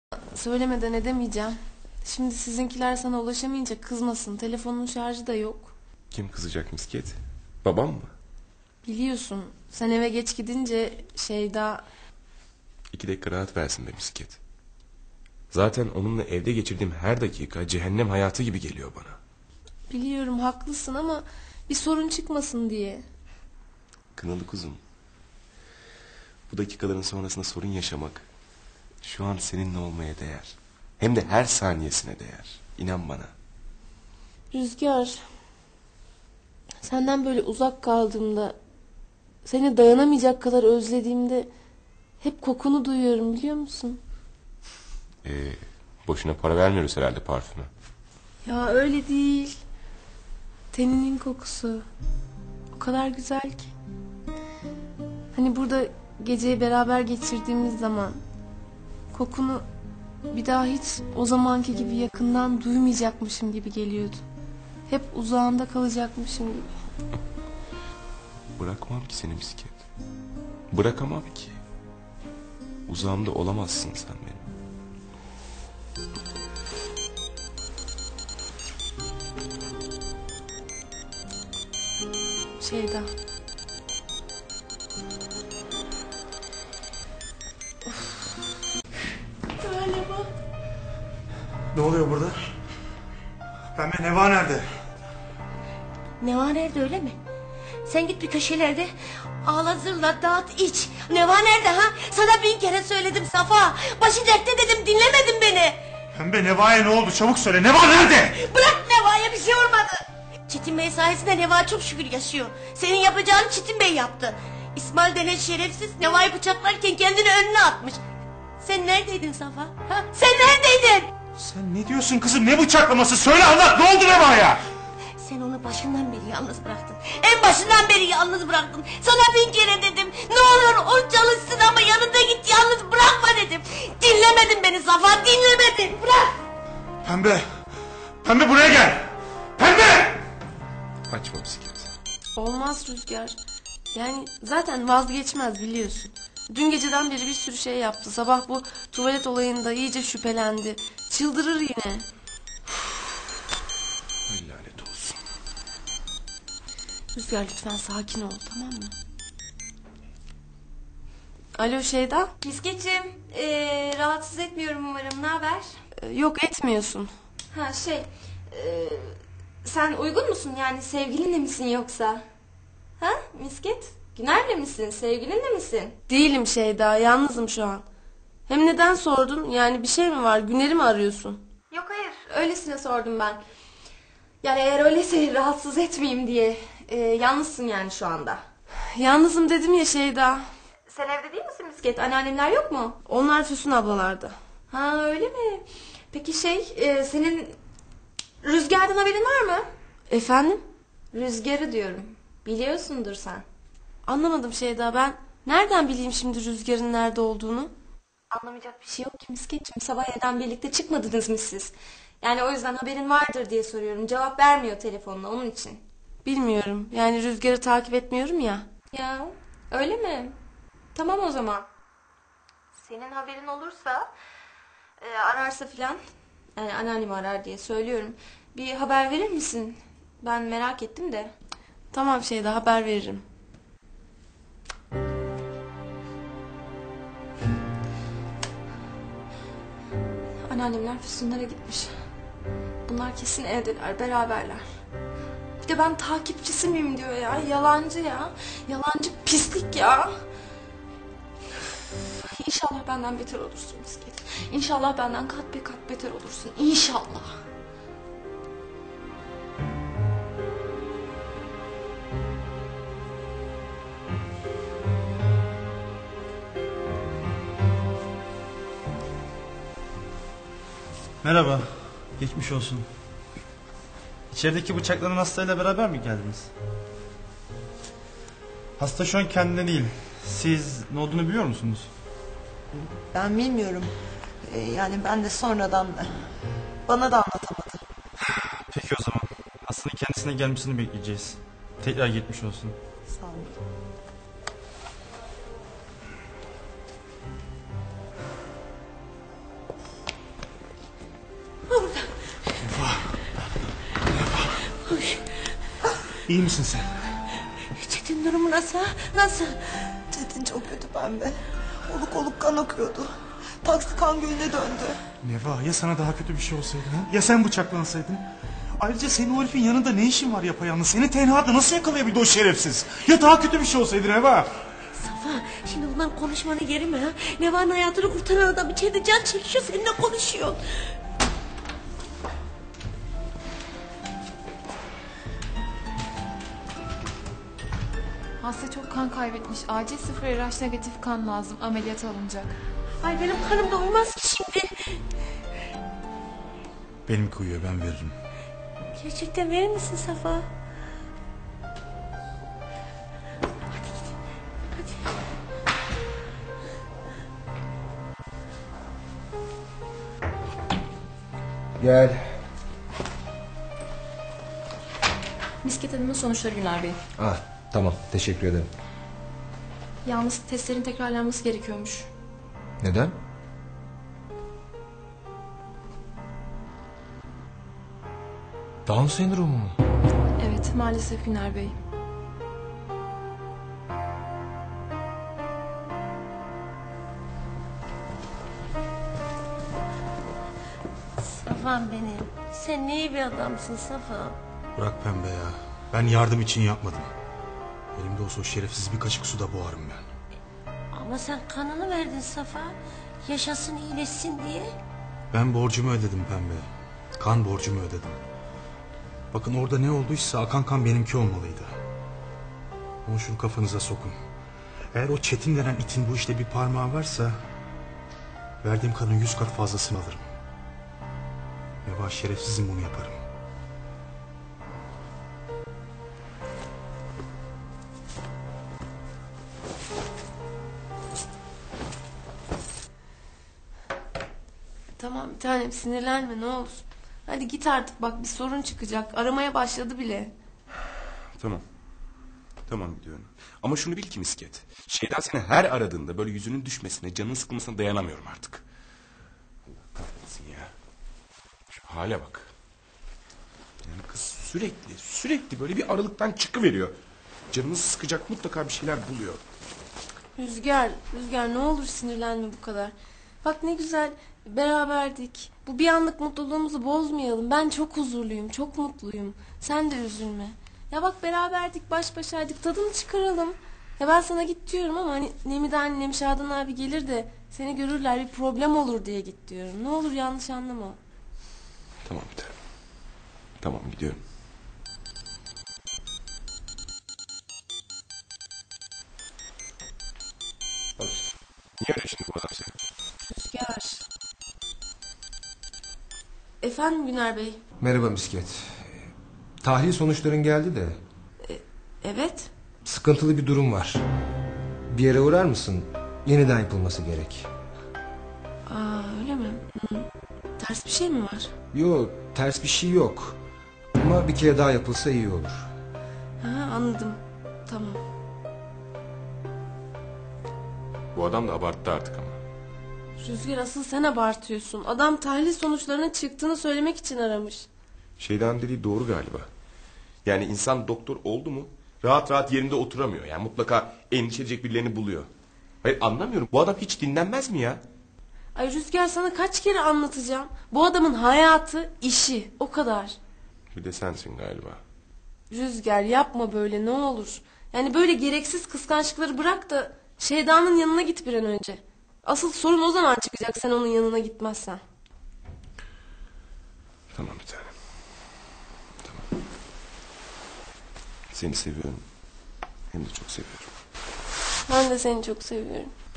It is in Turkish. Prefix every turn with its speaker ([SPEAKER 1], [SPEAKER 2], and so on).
[SPEAKER 1] Söylemeden edemeyeceğim. Şimdi sizinkiler sana ulaşamayınca kızmasın. Telefonun şarjı da yok.
[SPEAKER 2] Kim kızacak misket? Babam mı?
[SPEAKER 1] Biliyorsun sen eve geç gidince Şeyda...
[SPEAKER 2] 2 dakika rahat versin be misket. Zaten onunla evde geçirdiğim her dakika cehennem hayatı gibi geliyor bana.
[SPEAKER 1] Biliyorum haklısın ama bir sorun çıkmasın diye.
[SPEAKER 2] Kınalı kuzum. Bu dakikaların sonrasında sorun yaşamak şu an seninle olmaya değer. Hem de her saniyesine değer. İnan bana.
[SPEAKER 1] Rüzgar, senden böyle uzak kaldığımda, seni dayanamayacak kadar özlediğimde hep kokunu duyuyorum, biliyor musun?
[SPEAKER 2] Boşuna para vermiyoruz herhalde parfüme.
[SPEAKER 1] Ya öyle değil. Teninin kokusu o kadar güzel ki. Hani burada geceyi beraber geçirdiğimiz zaman kokunu bir daha hiç o zamanki gibi yakından duymayacakmışım gibi geliyordu. Hep uzağında kalacakmışım gibi.
[SPEAKER 2] Bırakmam ki seni misket. Bırakamam ki. Uzağımda olamazsın sen benim.
[SPEAKER 1] Şeyda. Galiba.
[SPEAKER 3] Ne oluyor burada? Pembe Neva nerede?
[SPEAKER 4] Neva nerede, öyle mi? Sen git bir köşelerde ağla zırla dağıt iç. Neva nerede ha? Sana 1000 kere söyledim Safa. Başı dertte dedim, dinlemedin beni.
[SPEAKER 3] Pembe Neva'ya ne oldu? Çabuk söyle. Neva nerede?
[SPEAKER 4] Bırak, Neva'ya bir şey olmadı. Çetin Bey sayesinde Neva çok şükür yaşıyor. Senin yapacağını Çetin Bey yaptı. İsmail denen şerefsiz Neva'yı bıçaklarken kendini önüne atmış. Sen neredeydin Safa? Ha? Sen neredeydin?
[SPEAKER 3] Sen ne diyorsun kızım? Ne bıçaklaması? Söyle anlat. Ne oldu Neva'ya?
[SPEAKER 4] Sen onu başından beri yalnız bıraktın. En başından beri yalnız bıraktın. Sana 1000 kere dedim. Ne olur o çalışsın ama yanında git, yalnız bırakma dedim. Dinlemedin beni Safa, dinlemedin. Bırak.
[SPEAKER 3] Pembe. Pembe buraya gel. Pembe.
[SPEAKER 2] Açma misket.
[SPEAKER 1] Olmaz Rüzgar. Yani zaten vazgeçmez, biliyorsun. Dün geceden beri bir sürü şey yaptı. Sabah bu tuvalet olayında iyice şüphelendi. Çıldırır yine.
[SPEAKER 2] Ay lanet olsun.
[SPEAKER 1] Rüzgar lütfen sakin ol, tamam mı? Alo Şeyda.
[SPEAKER 5] Miskeciğim, rahatsız etmiyorum umarım. Ne haber?
[SPEAKER 1] Yok, etmiyorsun.
[SPEAKER 5] Ha sen uygun musun? Yani sevgilinle misin yoksa? Ha Misket? Güner'le misin? Sevgilinle misin?
[SPEAKER 1] Değilim Şeyda, yalnızım şu an. Hem neden sordun? Yani bir şey mi var? Güner'i mi arıyorsun?
[SPEAKER 5] Yok hayır, öylesine sordum ben. Yani eğer öyleyse rahatsız etmeyeyim diye. Yalnızsın yani şu anda.
[SPEAKER 1] Yalnızım dedim ya Şeyda.
[SPEAKER 5] Sen evde değil misin Misket? Anneannemler yok mu?
[SPEAKER 1] Onlar Füsun ablalarda.
[SPEAKER 5] Ha öyle mi? Peki senin Rüzgar'dan haberin var mı?
[SPEAKER 1] Efendim?
[SPEAKER 5] Rüzgar'ı diyorum. Biliyorsundur sen.
[SPEAKER 1] Anlamadım Şeyda, ben nereden bileyim şimdi Rüzgar'ın nerede olduğunu?
[SPEAKER 5] Anlamayacak bir şey yok ki Misketciğim. Sabah evden birlikte çıkmadınız mı siz? Yani o yüzden haberin vardır diye soruyorum. Cevap vermiyor telefonla, onun için.
[SPEAKER 1] Bilmiyorum, yani Rüzgar'ı takip etmiyorum ya.
[SPEAKER 5] Ya öyle mi? Tamam o zaman. Senin haberin olursa ararsa filan, yani anneannemi arar diye söylüyorum. Bir haber verir misin? Ben merak ettim de.
[SPEAKER 1] Tamam Şeyda, haber veririm.
[SPEAKER 5] Anneannemler Füsunlara gitmiş. Bunlar kesin evdeler, beraberler. Bir de ben takipçisi miyim diyor ya. Yalancı ya. Yalancı pislik ya. İnşallah benden beter olursun Misket. İnşallah benden kat be kat beter olursun. İnşallah.
[SPEAKER 6] Merhaba, geçmiş olsun. İçerideki bıçaklanan hastayla beraber mi geldiniz? Hasta şu an kendine değil. Siz ne olduğunu biliyor musunuz?
[SPEAKER 7] Ben bilmiyorum. Yani ben de sonradan bana da anlatamadı.
[SPEAKER 6] Peki o zaman. Hastanın kendisine gelmesini bekleyeceğiz. Tekrar geçmiş olsun.
[SPEAKER 7] Sağ olun.
[SPEAKER 3] İyi misin sen?
[SPEAKER 4] Çetin durumu nasıl? Nasıl?
[SPEAKER 7] Çetin çok kötü Pembe. Oluk oluk kan akıyordu. Taksi kan gölüne döndü.
[SPEAKER 3] Neva, ya sana daha kötü bir şey olsaydı ha? Ya sen bıçaklansaydın? Ayrıca senin o herifin yanında ne işin var yapayalnız? Seni tenhada nasıl yakalayabildi o şerefsiz? Ya daha kötü bir şey olsaydı Neva?
[SPEAKER 4] Safa, şimdi bunlar konuşmanı yeri mi ha? Neva'nın hayatını kurtaran adam içeride can çekişiyor, seninle konuşuyor.
[SPEAKER 8] Hasta çok kan kaybetmiş. Acil 0 RH negatif kan lazım. Ameliyata alınacak.
[SPEAKER 4] Ay benim kanım da uymaz ki şimdi.
[SPEAKER 3] Benimki uyuyor, ben veririm.
[SPEAKER 4] Gerçekten verir misin Safa?
[SPEAKER 9] Gel.
[SPEAKER 5] Misket Hanım'ın sonuçları Güner Bey.
[SPEAKER 9] Ah, tamam, teşekkür ederim.
[SPEAKER 5] Yalnız testlerin tekrarlanması gerekiyormuş.
[SPEAKER 9] Neden? Down sendromu mu?
[SPEAKER 5] Evet, maalesef Güner Bey.
[SPEAKER 4] Safa'm benim. Sen ne iyi bir adamsın Safa.
[SPEAKER 3] Bırak Pembe ya. Ben yardım için yapmadım. Elimde olsa o şerefsiz bir kaşık suda boğarım ben.
[SPEAKER 4] Ama sen kanını verdin Safa. Yaşasın iyileşsin diye.
[SPEAKER 3] Ben borcumu ödedim Pembe. Kan borcumu ödedim. Bakın orada ne olduysa akan kan benimki olmalıydı. Ama şunu kafanıza sokun. Eğer o Çetin denen itin bu işte bir parmağı varsa... ...verdiğim kanın 100 kat fazlasını alırım. Neva, şerefsizim, bunu yaparım.
[SPEAKER 1] Tamam bir tanem, sinirlenme ne olur. Hadi git artık, bak bir sorun çıkacak. Aramaya başladı bile.
[SPEAKER 2] Tamam. Tamam gidiyorum. Ama şunu bil ki misket. Şeyda seni her aradığında böyle yüzünün düşmesine, canının sıkılmasına dayanamıyorum artık. Allah kahretsin ya. Şu hale bak. Yani kız sürekli böyle bir aralıktan çıkıveriyor. Canımızı sıkacak mutlaka bir şeyler buluyor.
[SPEAKER 1] Rüzgar ne olur sinirlenme bu kadar. Bak ne güzel beraberdik. Bu bir anlık mutluluğumuzu bozmayalım. Ben çok huzurluyum, çok mutluyum. Sen de üzülme. Ya bak beraberdik, baş başaydık, tadını çıkaralım. Ya ben sana git diyorum ama hani Nemide annem, Şadan abi gelir de seni görürler, bir problem olur diye git diyorum. Ne olur yanlış anlama.
[SPEAKER 2] Tamam bir tanem. Tamam gidiyorum. Bak işte. Niye öyle şimdi bu adam seni?
[SPEAKER 1] Rüzgar. Efendim Güner Bey.
[SPEAKER 9] Merhaba Misket. Tahlil sonuçların geldi de.
[SPEAKER 1] Evet.
[SPEAKER 9] Sıkıntılı bir durum var. Bir yere uğrar mısın? Yeniden yapılması gerek.
[SPEAKER 1] Aa öyle mi? Ters bir şey mi var?
[SPEAKER 9] Yok, ters bir şey yok. Ama bir kere daha yapılsa iyi olur.
[SPEAKER 1] Ha anladım. Tamam.
[SPEAKER 2] Bu adam da abarttı artık ama.
[SPEAKER 1] Rüzgar asıl sen abartıyorsun. Adam tahlil sonuçlarının çıktığını söylemek için aramış.
[SPEAKER 2] Şeyden dediği doğru galiba. Yani insan doktor oldu mu rahat rahat yerinde oturamıyor. Yani mutlaka endişe edecek birilerini buluyor. Hayır anlamıyorum. Bu adam hiç dinlenmez mi ya?
[SPEAKER 1] Ay Rüzgar sana kaç kere anlatacağım. Bu adamın hayatı, işi. O kadar.
[SPEAKER 2] Bir de sensin galiba.
[SPEAKER 1] Rüzgar yapma böyle ne olur. Yani böyle gereksiz kıskançlıkları bırak da Şeyda'nın yanına git bir an önce. Asıl sorun o zaman çıkacak sen onun yanına gitmezsen.
[SPEAKER 2] Tamam bir tanem. Tamam. Seni seviyorum. Hem de çok seviyorum.
[SPEAKER 1] Ben de seni çok seviyorum.